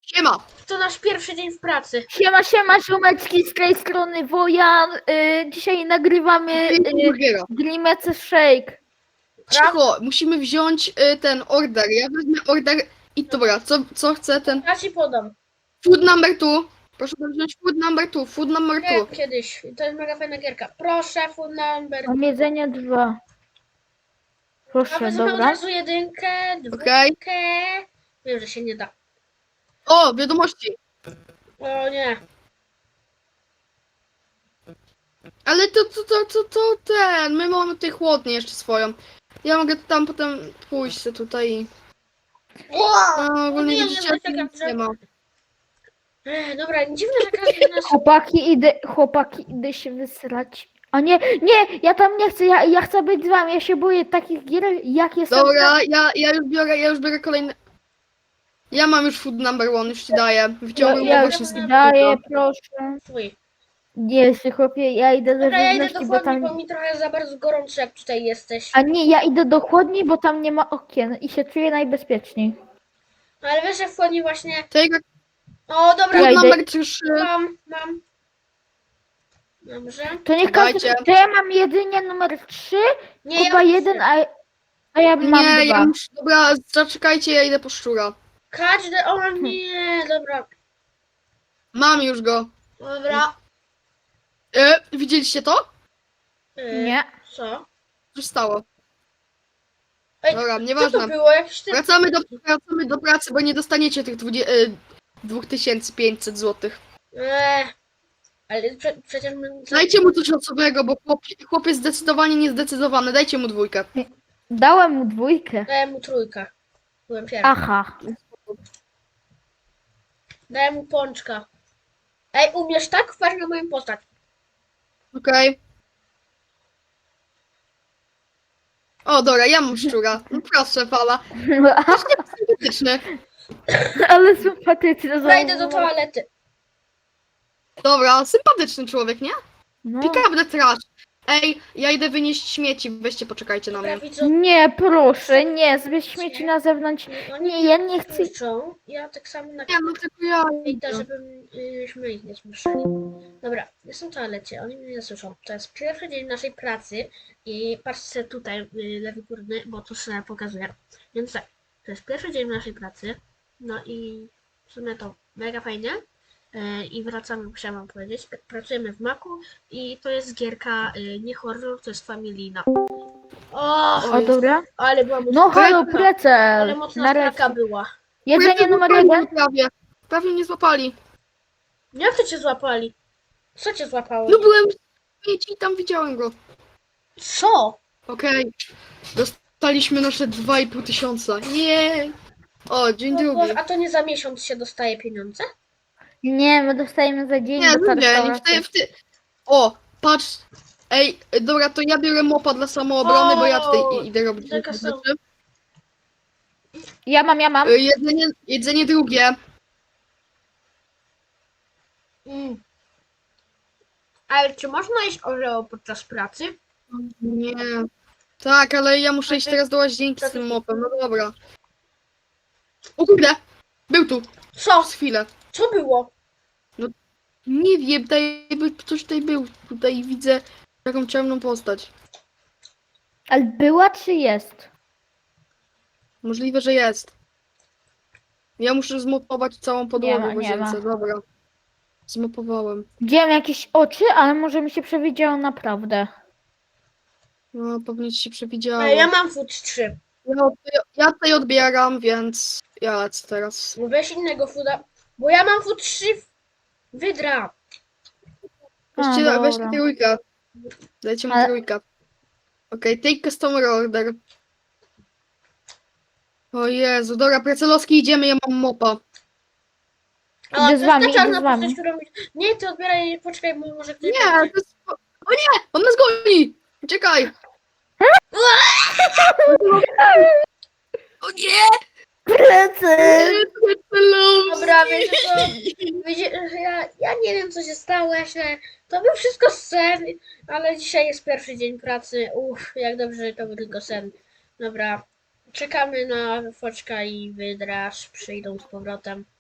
Siema! To nasz pierwszy dzień w pracy. Siema, ziomeczki, z tej strony Wojan. Dzisiaj nagrywamy Burgera. Grimace Shake. Cicho, musimy wziąć ten order. Ja wezmę order i dobra, co chce ten? Ja ci podam. Food number 2. Proszę wziąć food number 2, food number 2. Grałem kiedyś. To jest mega fajna gierka. Proszę, food number. Mam jedzenie 2. A Proszę, wezmę od dobra. razu jedynkę, Okej. dwójkę. Wiem, że się nie da. O, wiadomości. O nie. Ale to ten, my mamy tutaj chłodnię jeszcze swoją. Ja mogę tam potem pójść sobie tutaj i... No, ogólnie nie, widzicie, nie, nic nie ma. Dobra, dziwne, że każdy nas... Chłopaki, idę się wysrać. A nie, ja tam nie chcę, ja chcę być z wami, ja się boję takich gier, jak jestem. Dobra, ja już biorę kolejny... Ja mam już food number 1, już ci daję. Wyciągnę Ja właśnie już z daję, proszę. Swój. Nie, chłopie, ja idę do Dobra, ja idę żywności, do bo chłodni, tam... bo mi trochę za bardzo gorąco, jak tutaj jesteś. A nie, ja idę do chłodni, bo tam nie ma okien i się czuję najbezpieczniej. Ale wiesz, że w chłodni właśnie... Tego O, dobra, Ja food idę. number 3. mam. Dobrze. To niech każdy... Dajcie. To ja mam jedynie numer 3, Nie, Kuba ja... 1, a ja mam Nie, 2. ja muszę... Dobra, zaczekajcie, ja idę po szczura. Każdy... O nie, dobra. Mam już go. Dobra. Widzieliście to? Nie. Co? Co się stało? Ej, Dobra, Co to nieważne. było? Jakiś ty... Wracamy do pracy, bo nie dostaniecie tych 2500 zł. Ale przecież my... Dajcie mu coś osobnego, bo chłop jest zdecydowanie niezdecydowany. Dajcie mu 2. Dałem mu 2. Dałem mu trójkę. Byłem pierwszy. Aha. Dałem mu pączka. Ej, umiesz tak? Wpatrz na moją postać. Okej. O, dobra, ja mam szczura. No proszę, fala. Sympatyczny. Ale sympatyczne. Dobra, idę do toalety. Dobra, sympatyczny człowiek, nie? No. Pick up the trash. Ej, ja idę wynieść śmieci, weźcie, poczekajcie na Dobra, mnie. widzę. Nie, proszę, nie, zbierz śmieci na zewnątrz. Nie, ja nie chcę. Krzyczą. Ja tak samo na Nie, no tylko ja idę, idę. żebyśmy ich nie słyszeli. Dobra, jestem w toalecie, oni mnie nie słyszą. To jest pierwszy dzień naszej pracy i patrzcie tutaj, lewy górny, bo tu sobie pokazuję. Więc tak, to jest pierwszy dzień naszej pracy. No i w sumie to mega fajnie. I wracamy, chciałam wam powiedzieć. Pracujemy w Macu i to jest gierka nie horror, to jest familijna. O, dobra. Ale była mocna, No halo, ale precel. mocna straka była. Jedzenie numer 1. Prawie mnie złapali. Jak to cię złapali? Co cię złapało? No byłem w śmieci i tam widziałem go. Co? Okej. Dostaliśmy nasze 2500. Nie. O, dzień O drugi. Boże, a to nie za miesiąc się dostaje pieniądze? Nie, my dostajemy za dzień Nie, do no nie, restauracji. O, patrz. Ej, dobra, to ja biorę mopa dla samoobrony, bo ja tutaj idę robić jaka różne są- rzeczy. Ja mam. Jedzenie drugie. Ale czy można jeść oreo podczas pracy? Nie. Tak, ale ja muszę iść teraz do łazienki z tym mopem, no dobra. O kurde, był tu, Co? przez chwilę. Co było? Nie wiem, ktoś tutaj był. Tutaj widzę taką ciemną postać. Ale była czy jest? Możliwe, że jest. Ja muszę zmopować całą podłogę ma, w nie łazience, ma. dobra. Zmopowałem. Widziałem jakieś oczy, ale może mi się przewidziało naprawdę. No, pewnie ci się przewidziało. Ja mam food 3. Ja tutaj odbieram, więc ja lecę teraz. No weź innego fooda. Bo ja mam food 3 wydra. Weźcie dobra. trójkę. Dajcie mu Ale- trójkę. Okej, take customer order. O Jezu, dobra, Precelowski idziemy, ja mam mopa. A Idę z wami, czarna idę z wami. postać, którą... Nie, ty odbieraj, poczekaj, bo może ktoś... Nie, to jest... O nie! On nas goni! Uciekaj! O nie! Precel! Precelowski! Dobra, wiecie co? Ja nie wiem, co się stało, to był wszystko sen, ale dzisiaj jest pierwszy dzień pracy. Jak dobrze, że to był tylko sen. Dobra, czekamy na Foczka i Wydraż przyjdą z powrotem.